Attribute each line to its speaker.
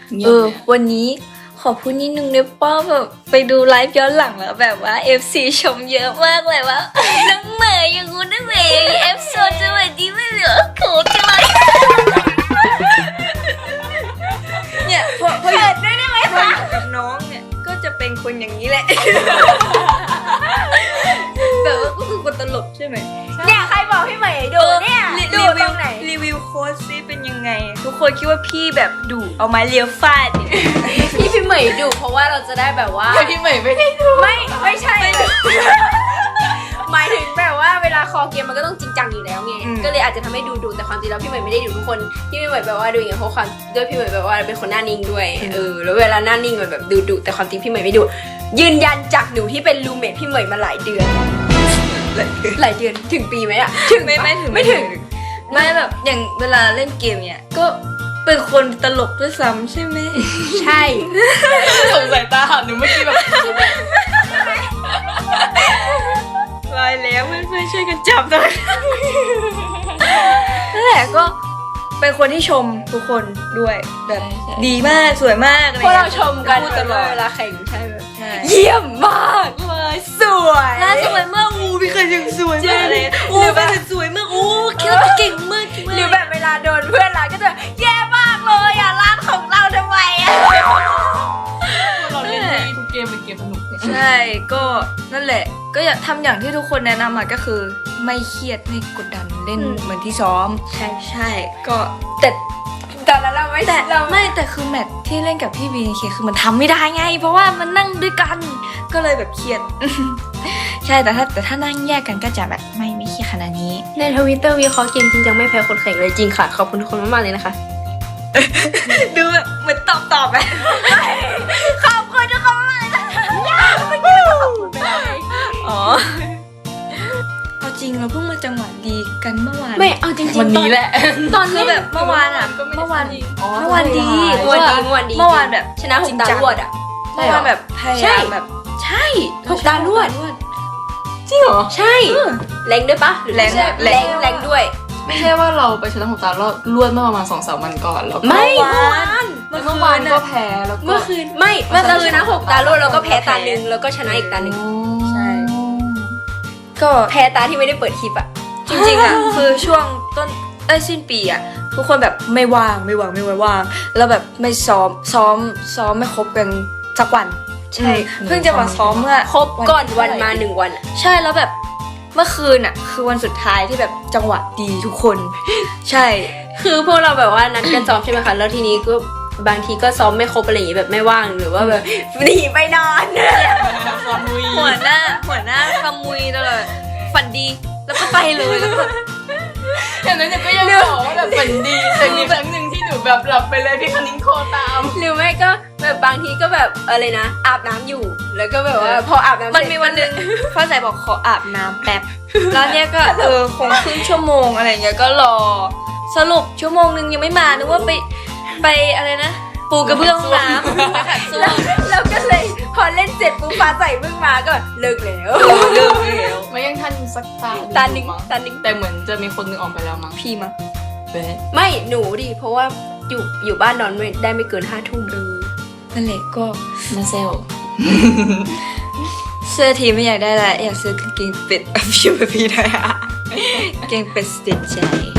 Speaker 1: วันนี้ขอพูดนิดนึงได้ป่ะแบบไปดูไลฟ์ย้อนหลังแล้วแบบว่า FC ชมเยอะมากเลยว่าน้องเหมยอย่างงู้นน้องเหมยเอฟโซสวัสดีไม่เหลือโขจังเลยเนี่ยพออยู่ด้วยได้ไหมคะกับน้องเนี่ยก็จะเป็นคนอย่างนี้แหละแบบว่าก็คือคนตลกใช่ไหม
Speaker 2: เนี่ยใครบอกพี่เหมยดูเนี่ยดูตรงไหน
Speaker 1: รีวิวโค้ดซิเป็นยังไงทุกคนคิดว่าพี่แบบดุเอาไม้เลียวฟาด
Speaker 2: พี่เหมยดูเพราะว่าเราจะได้แบบว่า
Speaker 3: พี่เหมยไม่ได้ดู
Speaker 2: ไม่ใช่หมายถึงแบบว่าเวลาคอเกมมันก็ต้องจริงจังอยู่แล้วไงก็เลยอาจจะทำให้ดูแต่ความจริงแล้วพี่เหมยไม่ได้ดูทุกคนพี่เหมยแบบว่าดูอย่างเงี้ยเพราะความด้วยพี่เหมยแบบว่าเป็นคนหน้านิ่งด้วยแล้วเวลาหน้านิ่งมันแบบดูแต่ความจริงพี่เหมยไม่ดูยืนยันจากหนูที่เป็นรูเมทพี่เหมยมาหลายเดือนถึงปีไหมอะถึง
Speaker 1: ไม่ถึงไม่แบบอย่างเวลาเล่นเกมเนี่ยก็เป็นคนตลกด้วยซ้ำใช่ไหม
Speaker 2: ใช่
Speaker 3: สงสัยตาหันหนูเมื่อกี้แบบ
Speaker 1: ลอยแล้วเพื่อนๆช่วยกันจับหน่อยนั่นแหละก็เป็นคนที่ชมทุกคนด้วยแบบดีมากสวยมากอะไร
Speaker 2: พวกเราชมกัน
Speaker 1: พูดตลอด
Speaker 2: เวลาแข่งใช่ไหม
Speaker 1: ใช่
Speaker 2: เยี่ยมมากเลยสวย
Speaker 1: น่าสวยมากพี่เคยยังสวยมากเลยพี่เคยสวยมากคิดว่าเก่งมาก
Speaker 2: หรือแบบเวลาโดนเพื่อนรักก็จะแย่มากเลยอ่ะร้านของเราทำไมอ่ะ
Speaker 3: เราเล่นที่ทุกเกมเป็นเกมสนุก
Speaker 1: ใช่ก็นั่นแหละก็อยากทำอย่างที่ทุกคนแนะนำมาก็คือไม่เครียดไม่กดดันเล่นเหมือนที่ซ้อมใช่ก็แต่
Speaker 2: ตอนนั้นเราไม่
Speaker 1: แต่คือแมทที่เล่นกับพี่บีเคคือมันทำไม่ได้ไง เพราะว่ามันนั่งด้วยกันก็เลยแบบเครียด ใช่แต่ถ้านั่งแยกกันก็จะแบบไม่เครียดขนาดนี้
Speaker 2: ในทวิตเตอร์วิเคราะห์เกมจริงจังไม่แพ้คนแข่งเลยจริงค่ะขอบคุณทุกคนมากๆเลยนะคะ
Speaker 1: ดูแบบเหมือนตอบไป
Speaker 2: ขอบคุณทุกคนมากเลยนะคะยากเมื่อกี้เราขอบคุณไปแล้วไง
Speaker 1: อ๋อเอาจริงเราเพิ่งมาจังหวะดีกันเมื่อวาน
Speaker 2: ไม่เอาจริงๆ
Speaker 3: วันนี้แหละ
Speaker 2: ตอน
Speaker 1: คือแบบเมื่อวานอะเมื่อวานดี
Speaker 2: เมื่อวานดีเมื่อวานแบบชนะหกตารวดอ่ะ
Speaker 1: เมื่อวานแบบพยายามแบบใช่
Speaker 2: หกตารวด
Speaker 3: จริงเหรอ
Speaker 2: ใช่แรงด้วยปะแรงด้วย
Speaker 3: ไม่ใช่ว่าเราไปชนะหกตาลวดเมื่อประมาณ2-3 วันก่อนแล้วก็
Speaker 2: ไม่เมื่อวาน
Speaker 3: เมื่อวานก็แพ้แล้วก็
Speaker 2: เมื่อคืนไม่เมื่อคืนนะหกตารวดแล้วก็แพ้ตาหนึ่งแล้วก็ชนะอีกตาหนึ่ง
Speaker 1: ใช่ก็
Speaker 2: แพ้ตาที่ไม่ได้เปิดคลิปอ่ะ
Speaker 1: จริงๆอ่ะ คือช่วงต้นสิ้นปีอ่ะทุกคนแบบไม่ว่างแล้วแบบไม่ซ้อมไม่ครบกันสักวันใช่เพิ่งจะมาซ้อมเมื่อ
Speaker 2: ครบก่อนวันมา1 วัน
Speaker 1: ใช่แล้วแบบเมื่อคืนอ่ะคือวันสุดท้ายที่แบบจังหวะดีทุกคน ใช่
Speaker 2: คือพวกเราแบบว่านัดกันซ้อมใช่ไหมคะแล้วทีนี้ก็บางทีก็ซ้อมไม่ครบอะไรอย่างงี้แบบไม่ว่างหรือว่าแบบหนีไปนอน
Speaker 1: หัวหน้าขมุยตลอดฝันดีแล้วก็ไปเลยแล้วก็
Speaker 3: อย่างนั้นก็ยังบอกว่าแบบฝันดีแต่มีครั้งหนึ่งที่หนูแบบหลับไปเลยพี่คณิ้งโคตาม
Speaker 2: หรือไม่ก็แบบบางทีก็แบบอะไรนะอาบน้ำอยู่แล้วก็แบบว่าพออาบน้ำ
Speaker 1: มันมีวันหนึ่งฟ้าใสบอกขออาบน้ำแป๊บแล้วเนี่ยก็คงครึ่งชั่วโมงอะไรเงี้ยก็รอสรุปชั่วโมงนึงยังไม่มานึกว่าไปอะไรนะปูกระเบื้องห้องน้ำไปขัดส้วม
Speaker 2: แล้วก็เลยพอเล่นเสร็จปุ๊บฟ้าใสเพิ่งมาก็เลิกแล้ว
Speaker 1: เลิกแล้ว
Speaker 3: ไม่ยังทันสักตา
Speaker 2: ตาหนึ่ง
Speaker 3: แต่เหมือนจะมีคนนึงออกไปแล้วมั้ง
Speaker 1: พี่มั้ง
Speaker 3: เบ๊ะ
Speaker 2: ไม่หนูดิเพราะว่าอยู่บ้านนอนไม่ได้ไม่เกิน5 ทุ่ม
Speaker 1: นั่นแหละก็
Speaker 3: มาเซล
Speaker 1: เสื้อทีไม่อยากได้ละอยากซื้อกางเกงเป็ดพี่มาพี่ได้อะกางเกงเป็ดสติดใจ